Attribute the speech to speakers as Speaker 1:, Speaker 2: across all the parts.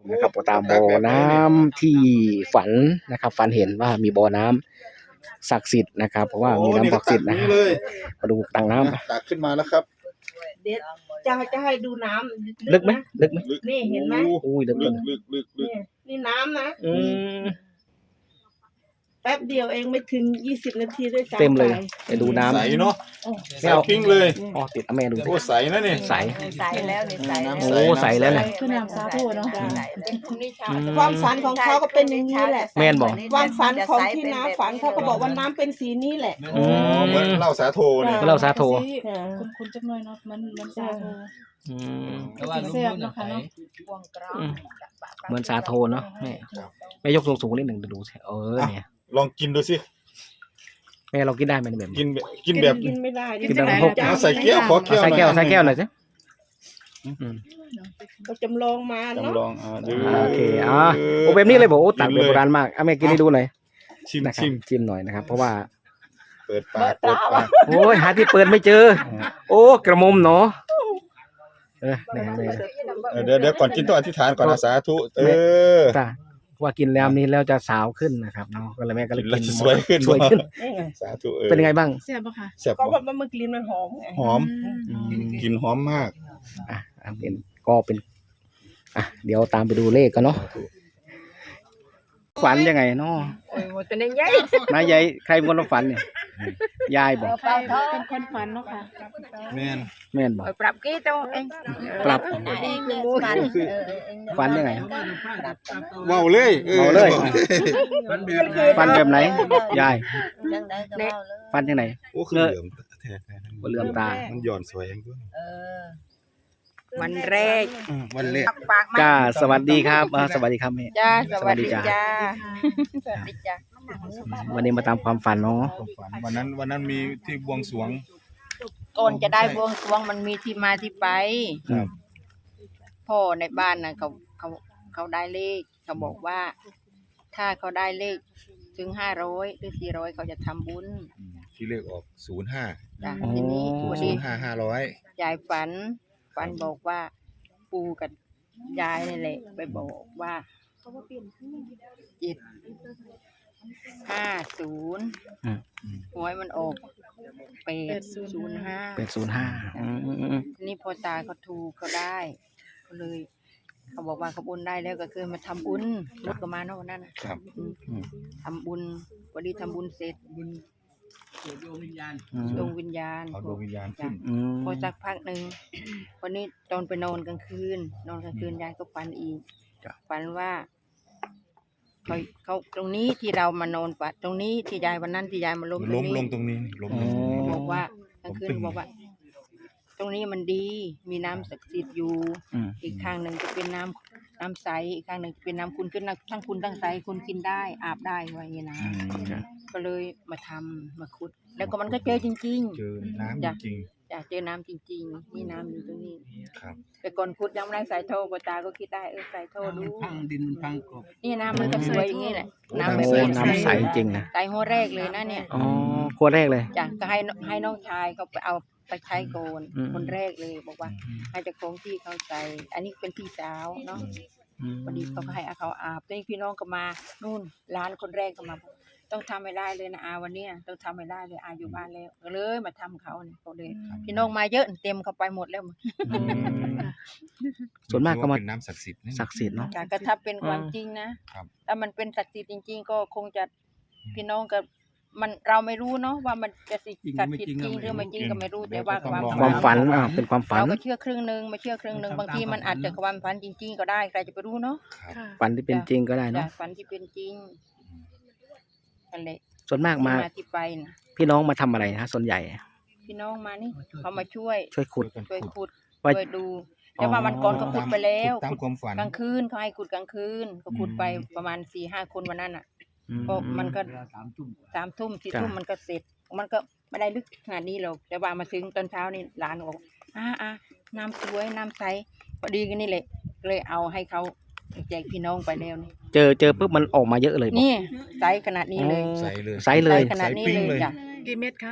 Speaker 1: นะครับตามบ่อน้ำที่ฝันนะครับฝันเห็นว่ามีบ่อน้ำศักดิ์สิทธิ์นะครับเพราะว่ามีน้ำศักดิ์สิทธิ์นะมาดูตังน้ำ
Speaker 2: ตักขึ้นมาแล้วครับ
Speaker 3: เดี๋ยวจะให้ดูน้ำ
Speaker 1: ลึกไหมลึกไหม
Speaker 3: นี่เห็นไหม
Speaker 1: อุ้ยลึก
Speaker 3: ลึกนี่น้ำนะแป๊บเดียวเองไม่ถึง20 นาทีด้วยซ้ำ
Speaker 1: เต็มเลยไปดูน้ำ
Speaker 2: ใสเนาะ
Speaker 1: ใส่
Speaker 2: ปิ้งเลย
Speaker 1: อ๋อติดแม่ดู
Speaker 2: โอ้ใสนะนี่
Speaker 1: ใส
Speaker 3: แล้วนี่ใส
Speaker 1: โอ้ใสแล้วเนี่ย
Speaker 4: คือน้ำสาธุเนาะ
Speaker 3: ความฝันของเขาก็เป็นอย่างนี้แหละ
Speaker 1: แม่นบอก
Speaker 3: ความฝันของที่น้าฝันเขาก็บอกว่าน้ำเป็นสีนี้แหละ
Speaker 2: เหมือนเหล้าสาโทเนี่ย
Speaker 1: ก็เราสาโท
Speaker 4: คุณจักหน่อยเนาะมันสาธุ
Speaker 5: แต่ว่าลุงพูดนะไหน
Speaker 1: เหมือนสาโทเนาะแม่ยกสูงๆนิดหนึ่งดูสิเนี่ย
Speaker 2: ลองกินดูสิ
Speaker 1: แม่เรากินได้ไหมแบบ
Speaker 2: กินแบบ
Speaker 3: กินไม่ได้
Speaker 1: กินแบบพก
Speaker 2: ใส่แก้วขอแก้ว
Speaker 1: ใส่แก้วหน่อยสิ
Speaker 3: ก็จำลองมาเนาะ
Speaker 2: จำลอง
Speaker 1: โอเคโอ้แบบนี้เลยบอกโอ้ตักแบบโบราณมากแม่กินให้ดูหน่อย
Speaker 2: ชิม
Speaker 1: หน่อยนะครับเพราะว่า
Speaker 2: เปิดปาก
Speaker 1: โอ้ยหาที่เปิดไม่เจอโอ้กระมุมเนาะ
Speaker 2: เดี๋ยวก่อนกินต้องอธิษฐานก่อนสาธุ
Speaker 1: ว่ากินแล้วนี้แล้วจะสาวขึ้นนะครับเนาะก็เลยแม่ก็เลยกิน
Speaker 2: สวยขึ้นสาธุ
Speaker 1: เป็นยังไงบ้าง
Speaker 4: แซ่บป่ะคะ
Speaker 2: แซ่บ
Speaker 3: ก็ว่ามันกลิ่นมันหอมไง
Speaker 2: หอมกลิ่นหอมมาก
Speaker 1: เป็นก็เป็นเดี๋ยวตามไปดูเลขกันเนาะฝันยังไงเนาะ
Speaker 3: เป็นยังไง
Speaker 1: นายายใครเป็นคนฝันเนี่ยยายบอก
Speaker 4: เป็นคนฝันเนาะค่ะ
Speaker 2: แ
Speaker 1: ม่นบอก
Speaker 3: ปรับกี่ตัวเอง
Speaker 1: ปรับฝันยังไง
Speaker 2: เมาเลย
Speaker 1: ฝันแบบไหนยายฝันยังไง
Speaker 2: โอ้คือเหลือม
Speaker 1: เหลือมตา
Speaker 2: มันหย่อนสวยเองด้วย
Speaker 3: วันแรก
Speaker 1: จ้าสวัสดีครับสวัสดีครับแม่
Speaker 3: จ้าสวัสดีจ้า
Speaker 1: วันนี้มาตามความฝันเนาะ
Speaker 2: วันนั้นมีที่บวงสรวง
Speaker 3: ก่อนจะได้บวงสรวงมันมีที่มาที่ไปพ่อในบ้านน่ะเขาได้เลขเขาบอกว่าถ้าเขาได้เลขถึง500หรือ400เขาจะทำบุญ
Speaker 2: ที่เลขออก05
Speaker 3: จ้ะทีนี้วันนี้
Speaker 2: 500
Speaker 3: ยายฝันบอกว่าปู่กับยายนี่แหละไปบอกว่า750หวยมันออก805นี่พอตาเขาถูกเขาได้ก็เลยเขาบอกว่าเขาบุญได้แล้วก็คือมาทำบุญรถก็มาเนาะนั่นนะครับทำบุญวันนี้ทำบุญเสร็จดวงวิญญาณ
Speaker 2: เอาดวงวิญญาณขึ้น
Speaker 3: พอสักพักหนึ่งวันนี้ตอนไปนอนกลางคืนยายก็ฝันอีกฝันว่าเขาตรงนี้ที่เรามานอนฝันตรงนี้ที่ยายวันนั้นที่ยายมาล้ม
Speaker 2: ลงตรงนี้
Speaker 3: บอกว่ากลางคืนบอกว่าตรงนี้มันดีมีน้ำศักดิ์สิทธิ์อยู่อีกข้างหนึ่งจะเป็นน้ำใสอีกข้างหนึ่งเป็นน้ำคุณขึ้นทั้งคุณทั้งใสคุณกินได้อาบได้ว่าอย่างนี้นะก็เลยมาขุดแล้วก็มันก็เจอจริงๆ
Speaker 2: เจอน้ำจริง
Speaker 3: อยากเจอน้ำจริงๆนี่น้ำอยู่ตรงนี้
Speaker 2: ครับ
Speaker 3: แต่ก่อนขุดยังไม่ได้ใส่โถปตาก็คิดได้ใส่โถดู
Speaker 5: ดินพังกบ
Speaker 3: นี่น้ำมันก็สวยอย่างนี้แหละ
Speaker 1: น้ำใสจริงนะ
Speaker 3: ใส่หัวแรกเลยนะเนี่ย
Speaker 1: หัวแรกเลย
Speaker 3: จ้ะก็ให้น้องชายเขาไปเอาไปใช้โกนคนแรกเลยบอกว่าให้เจ้าของที่เขาใจอันนี้เป็นพี่สาวเนาะพอดีเขาก็ให้เขาอาบนี่พี่น้องก็มานู่นร้านคนแรกก็มาต้องทำให้ได้เลยนะวันนี้ต้องทำให้ได้เลยอยู่บ้านแล้วก็เลยมาทำเขาเนี่ยเขาเลยพี่น้องมาเยอะเต็มเขาไปหมดแล้ว
Speaker 1: ส่วนมากก็มา
Speaker 2: เป็นน้ำศักดิ์สิทธิ์
Speaker 1: เนาะ
Speaker 3: ก็ถ้าเป็นความจริงนะถ้ามันเป็นศักดิ์สิทธิ์จริงๆก็คงจะพี่น้องกับมันเราไม่รู้เนาะว่ามันจะศักดิ์สิทธิ์จริงหรือไม่จริงก็ไม่รู้แต่ว่า
Speaker 1: ความฝันเป็นความฝัน
Speaker 3: เราก็เชื่อครึ่งนึงไม่เชื่อครึ่งนึงบางทีมันอาจจะความฝันจริงๆก็ได้ใครจะไปรู้เนาะ
Speaker 1: ฝันที่เป็นจริงก็ได้เนาะ
Speaker 3: ฝันที่เป็นจริง
Speaker 1: ส่วนมากมา
Speaker 3: ที่ไปนะ
Speaker 1: พี่น้องมาทำอะไรนะส่วนใหญ่
Speaker 3: พี่น้องมานี่เขามาช่วย
Speaker 1: ขุด
Speaker 3: ช่วยดูแต่ว่ามันก่อนก็ขุดไปแล้ว
Speaker 2: ตามความฝัน
Speaker 3: กลางคืนเขาให้ขุดกลางคืนก็ขุดไปประมาณ 4-5 คนวันนั้นอ่ะก็มันก็3 ทุ่ม 4 ทุ่มมันก็เสร็จมันก็ไม่ได้ลึกขนาดนี้หรอกแต่ว่ามาถึงตอนเช้านี่หลานบอกน้ำสวยน้ำใสพอดีกันนี่แหละเลยเอาให้เขาแจกพี่น้องไปแล้วนี่
Speaker 1: เจอปุ๊บมันออกมาเยอะเลย
Speaker 3: นี่ใสขนาดนี้เลย
Speaker 1: ใสเลย
Speaker 3: ขนาดนี้เลยจ้ะ
Speaker 4: กี่เม็ดคะ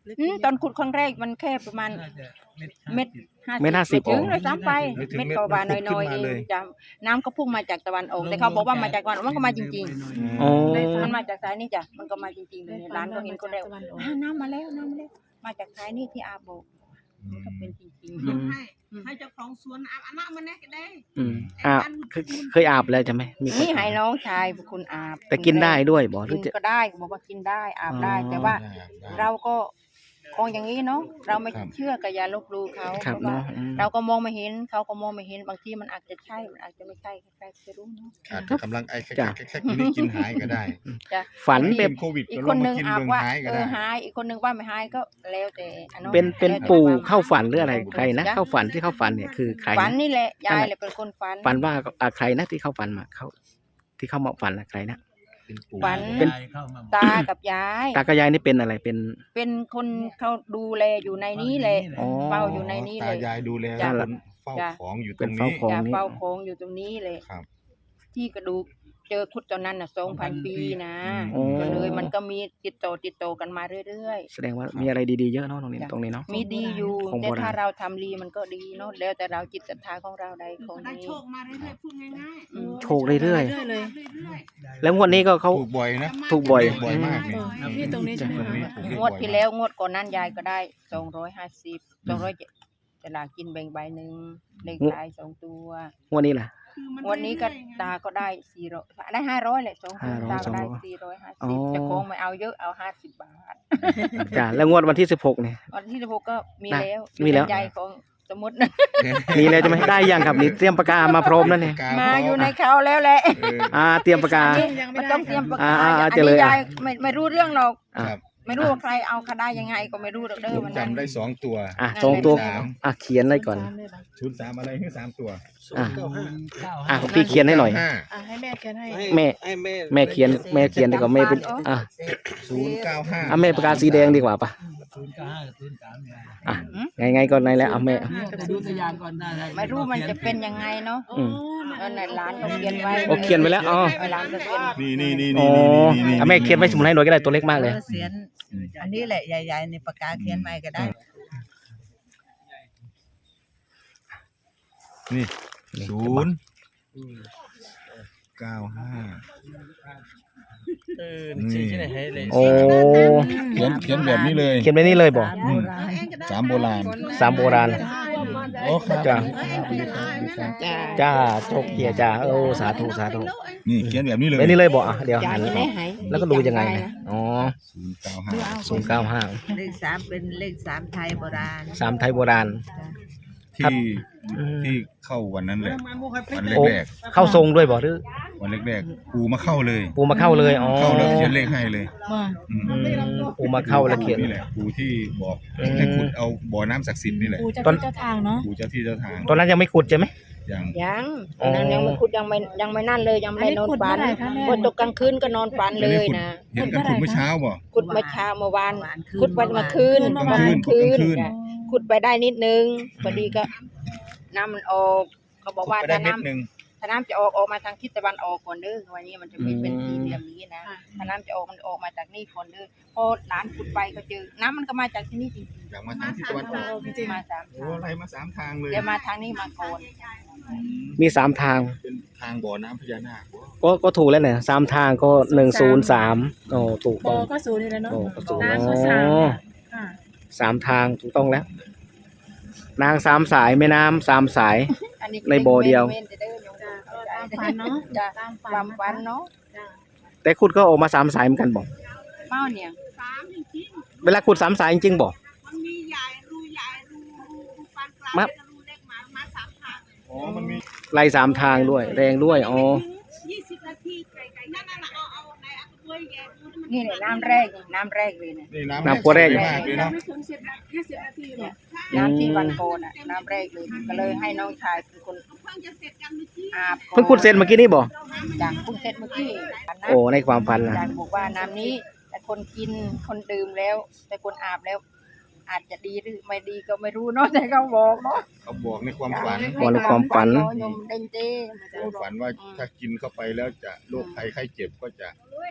Speaker 3: ตอนขุดครั้งแรกมันแค่ประมาณ
Speaker 5: น่าจะ
Speaker 3: เม็ด
Speaker 1: เม็ด 50
Speaker 3: ถึงเลยซ้ำไป
Speaker 2: ไม่ถึง
Speaker 3: เม็ด
Speaker 2: เม็ด
Speaker 3: กว่า
Speaker 2: มัน
Speaker 3: น้อยๆ
Speaker 2: ขึ้
Speaker 3: เอน ง
Speaker 2: มาเลย
Speaker 3: จะน้ำก็พุ่งมาจากตะวันออกแต่เขาบอกว่ามาจากตะวันออกมันก็มาจริง
Speaker 1: อ๋อ
Speaker 3: ๆมันมาจากสายนี่จ้ะมันก็มาจริงๆเลยร้านก็เห็นคนแรกน้ำมาแล้วมาจากสายนี่ที่อาบอกก็เป็นจริง
Speaker 1: อืม
Speaker 6: ให้เจ้าของสวนอาบน้ำมันแน่ก็ได้
Speaker 1: อืมเคยอาบแล้วใช่ไหมมี
Speaker 3: ๆ
Speaker 1: คน
Speaker 3: นี่ให้น้องชายเป็นคนอาบ
Speaker 1: แต่กินได้ด้วยบอกหรื
Speaker 3: กิ
Speaker 1: อน จะ
Speaker 3: ก็ได้บอกว่ากินได้อาบได้
Speaker 1: อ๋อ
Speaker 3: แต่ว่า
Speaker 2: ได้
Speaker 3: เราก็คงอย่างนี้เนาะเราไม่
Speaker 2: ครับ
Speaker 3: เชื่อกับอย่าลบหลู่เขา
Speaker 1: ครับ
Speaker 3: เพราะว่า
Speaker 1: เนาะอืม
Speaker 3: เราก็มองไม่เห็นเขาก็มองไม่เห็นบางทีมันอาจจะใช่มันอาจจะไม่ใช่ใครๆจะรู้เนาะ
Speaker 2: อาจจะกำลังไอ้แค่กินนี่กินหายก็ได้
Speaker 3: จ้ะ
Speaker 1: ฝัน
Speaker 3: เป็
Speaker 1: เป็น
Speaker 2: โควิด
Speaker 3: อีก
Speaker 2: ก็
Speaker 3: ค
Speaker 2: ล
Speaker 3: น
Speaker 2: ง
Speaker 3: ห
Speaker 2: มา
Speaker 3: นึ่ง
Speaker 2: กิน
Speaker 3: อาบ
Speaker 2: เบิ่ง
Speaker 3: ว่า
Speaker 2: หายก็ได้
Speaker 3: หายอีกคนหนึ่งว่าไม่หายก็แล้วแต่อันนั้น
Speaker 1: เป็น
Speaker 3: แล้วแต่
Speaker 1: ปู่
Speaker 3: ความ
Speaker 1: เข้าฝันหรืออะไรใครนะ
Speaker 3: จ้
Speaker 1: เข้าฝันที่เข้าฝันเนี่ยคือใคร
Speaker 3: ฝัน
Speaker 1: นะ
Speaker 3: นี่แหละยายเลยเป็นคนฝัน
Speaker 1: ฝันว่าใครนะที่เข้าฝันมาเข้าที่เข้ามาฝันนะใครนะ
Speaker 2: เป็นปู่
Speaker 3: ฝัน
Speaker 1: เป็น
Speaker 5: เข้ามา
Speaker 3: ตากับยาย
Speaker 1: ตากับยายนี่เป็นอะไรเป็น
Speaker 3: เป็นคนเขาดูแลอยู่ในนี้แหละ
Speaker 1: อ๋อ
Speaker 3: เฝ้าอยู่ในนี้เล
Speaker 2: ตาย ยายดูแล
Speaker 3: จ้ะ
Speaker 2: คนเฝ้า
Speaker 3: จ้ะ
Speaker 2: ของอยู่ต
Speaker 1: เป็
Speaker 2: ร
Speaker 1: น
Speaker 2: ง
Speaker 1: เฝ้า
Speaker 2: นี้
Speaker 1: ของ
Speaker 3: จะ
Speaker 1: นี่
Speaker 3: เฝ้าโค้งอยู่ตรงนี้เลย
Speaker 2: ครับ
Speaker 3: ที่กระดูกเจอขุดตอนนั้นน่ะ2,000 ปีนะ
Speaker 1: โอ้
Speaker 3: ก็เลยมันก็มีติดต่อกันมาเรื่อย
Speaker 1: แสดงว่ามีอะไรดีๆเยอะเนาะตรงนี้ตรงนี้เนาะ
Speaker 3: ๆ มีดีอยู่
Speaker 1: ของ
Speaker 3: แต่
Speaker 1: โบราณ
Speaker 3: ถ้าเราทำดีมันก็ดีเนาะแล้วแต่เราจิตศรัทธาของเราใดของ
Speaker 6: ได้
Speaker 3: นี้
Speaker 6: โชคมาเรื่อยๆพูดง่าย
Speaker 3: อืม
Speaker 1: โชคเรื่อย
Speaker 6: ๆ
Speaker 4: ๆเลย
Speaker 6: เรื่อย
Speaker 1: ๆแล้วงวดนี้ก็เขา
Speaker 2: ถูกบ่อยนะ
Speaker 1: ถูกบ่อย
Speaker 2: บ่อยมากนี่
Speaker 4: พี่ตรงนี้ใช่ไหม
Speaker 2: ตรงนี้
Speaker 4: คะ
Speaker 2: ถูกเรียก
Speaker 3: งวด
Speaker 2: บ่อย
Speaker 3: ที่
Speaker 2: มาก
Speaker 3: แล้วงวดก่อนนั้นยายก็ได้250 200จะลากินแบ่งใบหนึ่งเลขท้าย2 ตัว
Speaker 1: งวดนี้ล่ะ
Speaker 3: วันนี้ก็ตาก็ได้400ได้500แหละ2 ตัว
Speaker 1: 500
Speaker 3: ตาก็ได้
Speaker 1: อ๋อ
Speaker 3: 450จะคงไม่เอาเยอะเอา50 บาท
Speaker 1: จ้ะแล้วงวดวันที่16เนี่ย
Speaker 3: วันที่16ก็มี
Speaker 1: ได้
Speaker 3: แล้ว
Speaker 1: มีแล้ว
Speaker 3: ใหญ่ของสมุด
Speaker 1: มีแล้วจะไหมได้ยังครับนี่เตรียมปากกามาพร้อมแล้วเนี่ย
Speaker 3: มาอยู่ในเขาแล้วแหละ
Speaker 2: เออ
Speaker 1: เตรียมปากกา
Speaker 3: มันต้องเตรียมปากกา
Speaker 1: อ่า
Speaker 3: อัน
Speaker 1: เจอเลย
Speaker 3: นี้
Speaker 1: อ่ะ
Speaker 3: ยายไม่รู้เรื่องหรอก
Speaker 1: อ่ะ
Speaker 2: ครับ
Speaker 3: ไม่รู้ว่าใครเอาคได้ยังไงก็ไม่รู้หรอกเด้อ
Speaker 2: ผม
Speaker 3: วันนั้น
Speaker 2: จำได้2 ตัว
Speaker 1: สองตัว
Speaker 2: 3
Speaker 1: เขียนเลยก่อน
Speaker 2: 03อะไรคือ3 ตัว
Speaker 1: พี่เขียนให้หน่อย
Speaker 4: ให้แม่เขียนให้
Speaker 1: แม่ แม่เขียนดีกว่าแม่เป็น
Speaker 2: 095
Speaker 1: แม่ปากกาสีแดงดีกว่าป่ะ
Speaker 5: 095
Speaker 1: ไงก็ในแล้วเอาแม่
Speaker 5: ดูตัวอย่างก่อนได้
Speaker 3: ไม่รู้มันจะเป็นยังไงเนาะ
Speaker 1: อืม
Speaker 3: เออในร้านก็เขียนไว้
Speaker 1: โอ้เขียนไว้แล้วอ๋อ
Speaker 3: เออร้านก็เขียน
Speaker 2: นี่
Speaker 1: อ๋อแม่เขียนไว้สมุดให้หน่อยก็ได้ตัวเล็กมากเลย
Speaker 7: เขียนอันนี้แหละใหญ่ๆในปากกาเขียนใหม่ก็ได้
Speaker 2: นี่
Speaker 1: นี่
Speaker 2: 095
Speaker 5: ชื่อไหนให้เลย
Speaker 1: โอ้
Speaker 2: เขียนแบบนี้เลย
Speaker 1: เขียนไว้นี่เลยบอก
Speaker 2: 3 โบราณ
Speaker 1: 3 โบราณ
Speaker 2: โอ้ครับ
Speaker 1: จ้ะ
Speaker 3: จ้า
Speaker 1: จ้าโชคเกียร์จ้าโอ้สาธุสาธุ
Speaker 2: นี่เขียนแบบนี้เลย
Speaker 1: ไว้นี่เลยบอกเดี๋ยว
Speaker 3: จ้า
Speaker 1: หัน
Speaker 3: จะได้หาย
Speaker 1: แล้วก็ดูยังไงนะอ๋อ
Speaker 2: 095
Speaker 1: 095
Speaker 7: เลขสามเป็นเลขสามไทยโบราณ
Speaker 1: 3ไทยโบราณ ครับ
Speaker 2: ที่เข้าวันนั้นแหละวัน
Speaker 1: โอ้
Speaker 2: แรก
Speaker 1: เข้าทรงด้วยบอกหรือ
Speaker 2: ๆวันแรกๆปูมาเข้าเลย
Speaker 1: ปูมาเข้าเลยอ๋อ
Speaker 2: เข้าแล้วเขียนเลขให้เลย
Speaker 4: มา
Speaker 2: อืม
Speaker 1: ปูมาเข้าแล้วเขียน
Speaker 2: นี่แหละปูที่บอก
Speaker 1: อืม
Speaker 2: ให้ขุดเอาบ่อน้ำศักดิ์สิทธิ์นี่แหละ
Speaker 4: ปู่เจ้า
Speaker 1: ตอน
Speaker 4: ที่เจ้าทางเนาะ
Speaker 2: ปูเจ้าที่เจ้าทาง
Speaker 1: ตอนนั้นยังไม่ขุดใช่ไหม
Speaker 2: อย่าง
Speaker 3: ยัง
Speaker 1: อ๋อ
Speaker 3: ยังไม่คุดยังไม่นั่นเลยยังไม่ได้นอนฝันพอตกกลางคืนก็นอนฝันเลยนะ
Speaker 2: เห็นกันขุดเมื่อเช้าบ่
Speaker 3: ขุดเมื่อเช้าเมื่อวานขุดไปเมื่อคืน
Speaker 2: กลางคืน
Speaker 3: คืน
Speaker 2: กลางคืน
Speaker 3: จ้ะขุดไปได้นิดนึงพอดีก็น้ำมันออกเขาบอกว่า
Speaker 2: ขุดไปได้
Speaker 3: ถ้า
Speaker 2: เม็
Speaker 3: น้
Speaker 2: ดหนึง
Speaker 3: ำถ้าน้ำจะออกมาทางทิศตะวันออกก่อนเด้อวันนี้มันจะไม่เป็นสี่เหลี่ยมนี้นะถ้าน้ำจะออกมันออกมาจากนี่ก่อนเด้อพอหลานขุดไปก็เจอน้ำมันก็มาจากที่นี่จริง
Speaker 2: อยากมาทางทิศตะวันออก
Speaker 3: ๆมาสาม
Speaker 2: โอ้อะไรมา3 ทางเลย
Speaker 3: เดี๋ยวมาทางนี้มาก่อน
Speaker 1: มี3 ทาง
Speaker 2: เป็นทางบ่อน้ำพญานาค
Speaker 1: ก็ถูกแล้วเนี่ย3 ทางก็103โอ้ถูก
Speaker 4: บ
Speaker 1: ต้
Speaker 4: อ
Speaker 1: อง
Speaker 4: ก็ศูนย์นี่แหละเนาะ
Speaker 1: โอ้ก็ถูก
Speaker 4: น้ำก็
Speaker 1: อ๋
Speaker 4: สาม
Speaker 1: อ
Speaker 4: ค่ะ
Speaker 1: 3 ทางถูกต้องแล้ว นาง3 สายแม่น้ำ3 สาย
Speaker 3: อันนี้
Speaker 1: ในบ่อเดียว
Speaker 3: เว้นจะเด้อโยม
Speaker 4: จ้ะ
Speaker 3: เข้าใจ
Speaker 4: ตามฝันเนาะ
Speaker 3: จ้ะ
Speaker 4: ตาม
Speaker 3: ความฝันเนาะ
Speaker 4: จ้ะ
Speaker 1: แต่ขุดก็ออกมา3 สายเหมือนกันบอก
Speaker 3: เมาเนี่ย
Speaker 6: 3จริง
Speaker 1: เวลาขุด3 สายจริงๆบอก
Speaker 6: ๆมันมีใหญ่รูปานกลาง
Speaker 1: มา
Speaker 6: แล้วก็รูเล็กมา3 ทาง
Speaker 2: อ๋อมันมี
Speaker 1: ไล่3 ทางด้วย แรงด้วยอ๋อ
Speaker 6: 20 นาทีไกลๆนั่นเอาในอัตวยแกดูที่มัน
Speaker 3: นี่เนี่ยน้ำแรกเลยเนี่ย
Speaker 2: นี่
Speaker 1: น้ำตัวแรก
Speaker 2: มากเลยเนาะ
Speaker 4: ไม่ถึง20 นาทีหรอก
Speaker 3: น้ำที่วันโกนอ่ะน้ำแรกเลยก็เลยให้น้องชายเป็นคน
Speaker 6: เพิ่งจะเสร็จกันเมื่อกี้
Speaker 3: อาบก่อน
Speaker 1: เพิ่งขุดเสร็จเมื่อกี้นี่บอก
Speaker 3: จากเพิ่งเสร็จเมื่อกี้นะ
Speaker 1: โอ้ในความฝันนะ
Speaker 3: จากบอกว่าน้ำนี้แต่คนกินคนดื่มแล้ว แต่คนอาบแล้ว อาจจะดีหรือไม่ดีก็ไม่รู้เนาะแต่เขาบอกเนาะ
Speaker 2: เขาบอกในความฝัน
Speaker 1: บอกในความฝัน
Speaker 3: เนาะโยมเด้งเจ้ไม่
Speaker 2: ความ
Speaker 3: รู้หรอก
Speaker 2: ฝันว่าถ้ากินเข้าไปแล้วจะโรคภัยไข้เจ็บก็จะ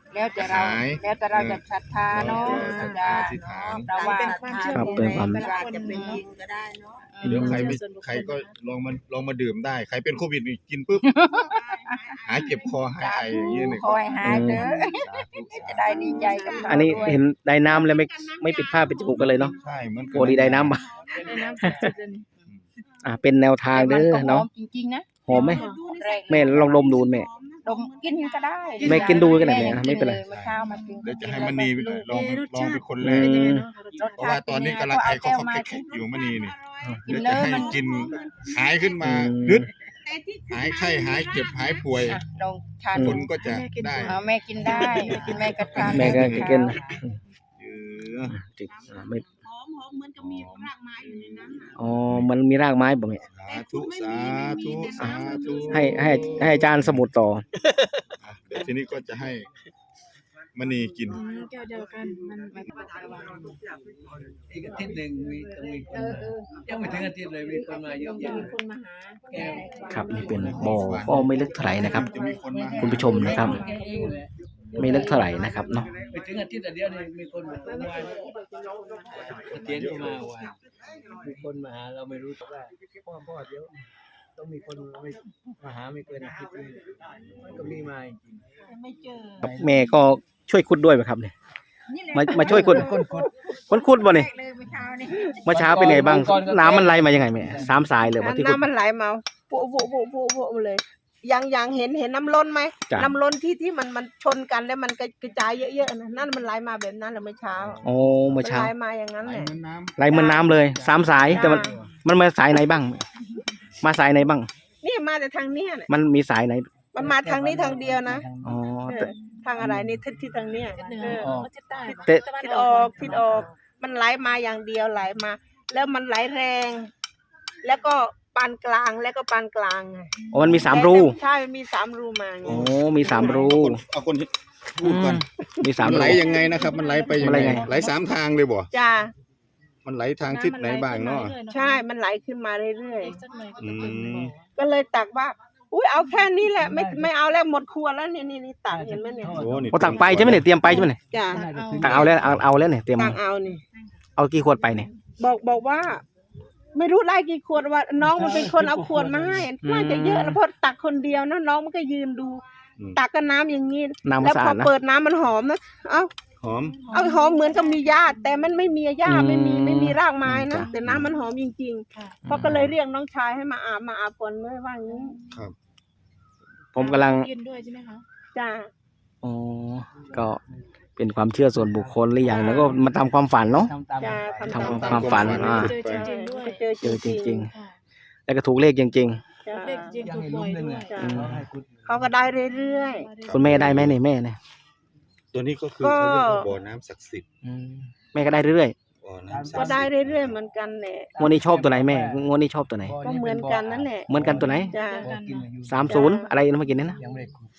Speaker 3: แล้วแต่เรา
Speaker 2: หาย
Speaker 3: แล้วแต่เราจะศรัทธาเนาะ
Speaker 2: จะอธิษฐาน
Speaker 3: เราว่า
Speaker 7: เป็นความเชื่อ
Speaker 1: ครับ
Speaker 7: ของ
Speaker 1: เป็นความ
Speaker 7: ใครจะเป็นจริงก็ได้เนาะ
Speaker 2: เดี๋ยวใครก็ลองมาดื่มได้ ใครเป็นโควิดนี่กินปุ๊บหายเจ็บคอหายไออย่างเงี้ยเนี่ย
Speaker 3: คอยหายเด้อ
Speaker 2: สาธุ
Speaker 3: จะได้ดีใจกับเรา
Speaker 1: อันนี้
Speaker 3: ด้วย
Speaker 1: เห็นได้น้ำแล้วไม่ปิดผ้าปิดจมูกกันเลยเนาะ
Speaker 2: ใช่เหมือนกั
Speaker 1: โอ้ดีได้น้ำมา
Speaker 4: ในน้ำศักดิ์สิทธิ์อันนี้
Speaker 1: เป็นแนวทางเด้อเนาะ
Speaker 3: แต่มัก็หอมจริงๆนะ
Speaker 1: หอมไหม
Speaker 3: แรก
Speaker 1: แม่ลองดมดูแม่
Speaker 3: ดมกินก็ได้
Speaker 1: แม่กินดูก็ได้แม่ไม่เป็นไร
Speaker 3: เมื่อเช้ามากิน
Speaker 2: เดี๋ยวจะให้มณีลองเป็นคนแร
Speaker 1: อื
Speaker 2: ก
Speaker 1: ม
Speaker 2: เพราะว่าตอนนี้กำลังไอเขาแขกอยู่มณีนี่
Speaker 3: กิน
Speaker 2: เดี๋ยว
Speaker 3: เล
Speaker 2: จะ
Speaker 3: ย
Speaker 2: ให้
Speaker 3: มัน
Speaker 2: กินหายขึ้นมา
Speaker 1: อืม
Speaker 2: ดึดหายไข้หายเจ็บหายป่วย
Speaker 3: ลองทาน
Speaker 2: คนก็จะได้
Speaker 3: เอาแม่กินได้แม่ก็ทาน
Speaker 1: แม่ก็กิน
Speaker 2: เออ
Speaker 1: จิกไม่
Speaker 6: หอมเหมือนกับมีรากไม้อยู่ในนั้นน่ะ
Speaker 1: อ๋อมันมีรากไม้บ่แม่
Speaker 2: สาธุสาธุสาธุ
Speaker 1: ให้อาจารย์สมุดต่อ
Speaker 2: อ่ะเดี๋ยวทีนี้ก็จะให้มณีกิน
Speaker 4: แก้วเดียวกันมันไม่
Speaker 5: อีกอาทิตย์หนึ่งมีคนยังไม่ถึงอาทิตย์เลยมีคนมาเยอะแยะ
Speaker 3: คนมาหา
Speaker 5: แก้ว
Speaker 1: ครับนี่เป็นบ่อก็ไม่ลึกเท่าไหร่นะครับ
Speaker 2: จะมีคนมาหา
Speaker 1: คุณผู้ชมนะครับ
Speaker 5: แก้เองเลย
Speaker 1: ไม่ลึกเท่าไหร่นะครับเนาะ
Speaker 5: ไม่ถึงอาทิตย์เดียวนี่มีคนมาเมื่อวานเตียนก็มาวันมีคนมาหาเราไม่รู้ว่าพ่อเดี๋ยวต้องมีคนมาหาไม่เกินอาทิตย์นึงมันก็มีมาจริง
Speaker 3: ไม่เจอ
Speaker 1: ครับแม่ก็ช่วยขุดด้วยไหมครับเนี่ยมาช่วยขุดคนขุดบ่เนี่ย
Speaker 3: เลยเมื่อเช้านี่
Speaker 1: เมื่อเช้าเป็นไงบ้างน้ำมันไหลมายังไงแม่สามสายเลยว่าที่ขุด
Speaker 7: น้ำมันไหลมาโผล่เลยยังเห็นน้ำล้นไหม
Speaker 1: จ้ะ
Speaker 7: น้ำล้นที่มันชนกันแล้วมันกระจายเยอะๆนะนั่นมันไหลมาแบบนั้นแหละเมื่อเช้า
Speaker 1: โอ้เมื่อเช้า
Speaker 7: ไหลมาอย่างนั้น
Speaker 2: ไหล
Speaker 7: แหละ
Speaker 2: เหมือนน้ำ
Speaker 1: ไหลเหมือนน้ำเลยสามสายแต่มันมาสายไหนบ้าง มาสายไหนบ้าง
Speaker 7: นี่มาแต่ทางเนี้ยน่ะ
Speaker 1: มันมีสายไหน
Speaker 7: มันมาทางนี้ทางเดียวนะ
Speaker 1: อ๋อ
Speaker 7: เอ
Speaker 1: แต่
Speaker 7: อทางอะไรนี่ที่ทางเนี้ย
Speaker 4: ทิศเหนือ
Speaker 7: เออ
Speaker 4: ก็ทิศใต้
Speaker 1: แต่
Speaker 7: ทิศออกมันไหลมาอย่างเดียวไหลมา แล้วมันไหลแรง แล้วก็ปานกลางแล้วก็ปานกลางไง
Speaker 1: อ๋อมันมีสามรู
Speaker 7: ใช่มันมีสามรูมาไง
Speaker 1: โอ้มีสามรู
Speaker 2: เอาคนพูดก่อน
Speaker 1: มีสาม
Speaker 2: มัน
Speaker 1: รู
Speaker 2: ไหลยังไงนะครับ มันไหลไปยัง
Speaker 1: มันไหล
Speaker 2: ไง
Speaker 1: ไง
Speaker 2: ไหลสามทางเลยบ่
Speaker 7: จ้า
Speaker 2: มันไหลทางทิศไหนบ้างเนาะ
Speaker 7: ใช่ มันไหลขึ้นมาเรื่อย
Speaker 4: อีกสักหน่อยก็จะเป็นบ่อ
Speaker 7: ๆ ก็เลยตักว่า อุ้ยเอาแค่นี้แหละไม่เอาแล้วหมดครัวแล้วนี่ตักเห็นไหมเนี่ย
Speaker 2: โอ้นี่
Speaker 1: โอ้ตักไปใช่ไหมเนี่ยเตรียมไปใช่ไหมเนี่ย
Speaker 7: จ้า
Speaker 1: ตักเอาแล้วเอาแล้วเนี่ยเตรียม
Speaker 7: ตักเอานี่
Speaker 1: เอากี่ขวดไปเนี่ย
Speaker 7: บอกว่า ไม่รู้ได้กี่ขวดว่า น้องมันเป็นคนเอาขวดมาให้น่าจะเยอะแล้วเพราะตักคนเดียวนะน้องมันก็ยืนดู ตักกับน้ำอย่างนี้
Speaker 1: น้ำ
Speaker 7: แล้ว
Speaker 1: สะ
Speaker 7: พ
Speaker 1: อา
Speaker 7: อ
Speaker 1: ดนะ
Speaker 7: เปิดน้ำมันหอมนะเอา
Speaker 2: หอม
Speaker 7: หอมเหมือนกับมีหญ้าแต่มันไม่มีหญ้า
Speaker 1: อืม
Speaker 7: ไม่มีรากไม้นะ
Speaker 1: จ้ะ
Speaker 7: แต่น้ำมันหอมจริง
Speaker 4: ค่ะ
Speaker 7: ๆเพราะก็เลยเรียกน้องชายให้มาอาบก่อนเลยว่าอย่างนี้
Speaker 1: ผมกำลัง
Speaker 4: กินด้วยใช่ไหมคะ
Speaker 7: จ้า
Speaker 1: อ๋อก็เป็นความเชื่อส่วนบุคคลหรืออย่างแล้วก็มาทำความฝันเนาะ
Speaker 5: ทำตาม
Speaker 7: จ้า
Speaker 1: ทำ
Speaker 7: ต
Speaker 1: ความฝัน
Speaker 4: เจอจริงๆด้วย
Speaker 7: เจอ
Speaker 1: เจอจริง
Speaker 4: ค่ะ
Speaker 1: ๆ แล้วก็ถูกเลขจริง
Speaker 7: จ้า
Speaker 4: เด็กจริง
Speaker 5: ยัง
Speaker 4: ถูก
Speaker 5: ให้
Speaker 4: บ่
Speaker 5: ลุ้
Speaker 4: อน ย
Speaker 5: เลย
Speaker 4: ด้ว
Speaker 5: เนี่ย ย
Speaker 7: จ้ะ
Speaker 5: เขาให้คุณ
Speaker 7: เขาก็ได้เรื่อย
Speaker 1: ๆ คุณแม่ได้ไหมเนี่ยแม่เนี่ย
Speaker 2: ตัวนี้ก็คือเขาเรียกว่าบ่อน้ำศักดิ์สิทธิ์
Speaker 1: แม่ก็ได้เรื่อย
Speaker 2: บ่อน้ำศั
Speaker 7: ๆ ก็
Speaker 2: กดิ์
Speaker 7: ได้
Speaker 2: สิทธิ์
Speaker 7: เรื่อยๆเหมือนกันแหละ
Speaker 1: ๆงวดนี้ชอบตัวไหนแม่งวดนี้ชอบตัวไหน
Speaker 7: ก็เหมือนกันนั่นแหละ
Speaker 1: เหมือนกันตัวไหน
Speaker 7: จ้า
Speaker 4: เดียวกันเนาะ
Speaker 1: 30อะไรนะเมื่อกี้นี้นะ
Speaker 5: ยังไม่ได้คุย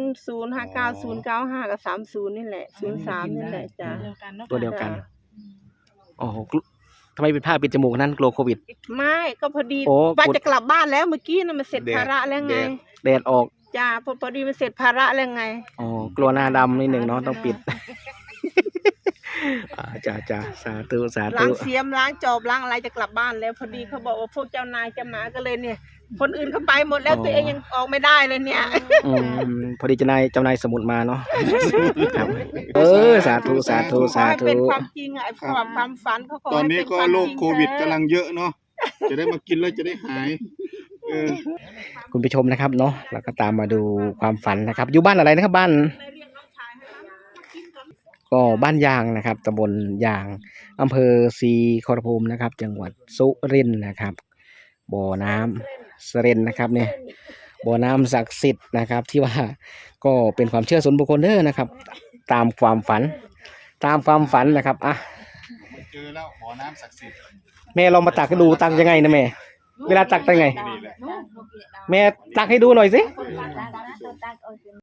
Speaker 7: 0059095กับ30นี่แหละ03นี่แหละจ้า
Speaker 4: เดียวกันเนาะ
Speaker 1: ตัวเดียวกันโอ้โหทำไมเป็นผ้าปิดจมูกนั้นกลัวโควิด
Speaker 7: ไม่ก็พอดี
Speaker 1: โอ้
Speaker 7: ว่าจะกลับบ้านแล้วเมื่อกี้น่ะมันเสร็จภาระแล้วไง
Speaker 1: แดดออก
Speaker 7: จ้าพอดีมันเสร็จภาระแล้วไง
Speaker 1: อ๋อกลัวหน้าดำนิดหนึ่งเนาะต้องปิดจ้าสาธุสา
Speaker 7: ล้า
Speaker 1: ธุ
Speaker 7: งเสียมล้างจอบล้างอะไรจะกลับบ้านแล้วพอดีเขาบอกว่าพวกเจ้านายจะมาก็เลยเนี่ย คนอื่นเขาไปหมดแล้วตัวเองยังออกไม่ได้เลยเนี่ย
Speaker 1: พอดีเจ้านายสมุดมาเนาะครับสาธุสาธุ
Speaker 7: ขอ
Speaker 1: สา
Speaker 7: ให้
Speaker 1: ธุ
Speaker 7: เป็นความจริงอะไอ้ความฝันเขาขอ
Speaker 2: ตอน
Speaker 7: ให้
Speaker 2: นี้
Speaker 7: เป็น
Speaker 2: ก็
Speaker 7: ความ
Speaker 2: โร
Speaker 7: จ
Speaker 2: ค
Speaker 7: ริง
Speaker 2: โควิดกำลังเยอะเนาะจะได้มากินแล้วจะได้หายเออ
Speaker 1: คุณผู้ชมนะครับเนาะเราก็ตามมาดูความฝันนะครับ อยู่บ้านอะไรนะครับบ้านก็บ้านยางนะครับตำบลยางอำเภอศรีขอรภูมินะครับ จังหวัดสุรินทร์นะครับบ่อน้ำสเรนนะครับเนี่ยบ่อน้ำศักดิ์สิทธิ์นะครับ ที่ว่าก็เป็นความเชื่อส่วนบุคคลเด้อนะครับ ตามความฝันนะครับอ่ะ
Speaker 2: เจอแล้วบ่อน้ำศักดิ์สิทธิ์
Speaker 1: แม่ลองมาตักให้ดูตักยังไงนะแม่เวลาตักตักยังไง
Speaker 2: นี่แหละ
Speaker 1: แม่ตักให้ดูหน่อยสิ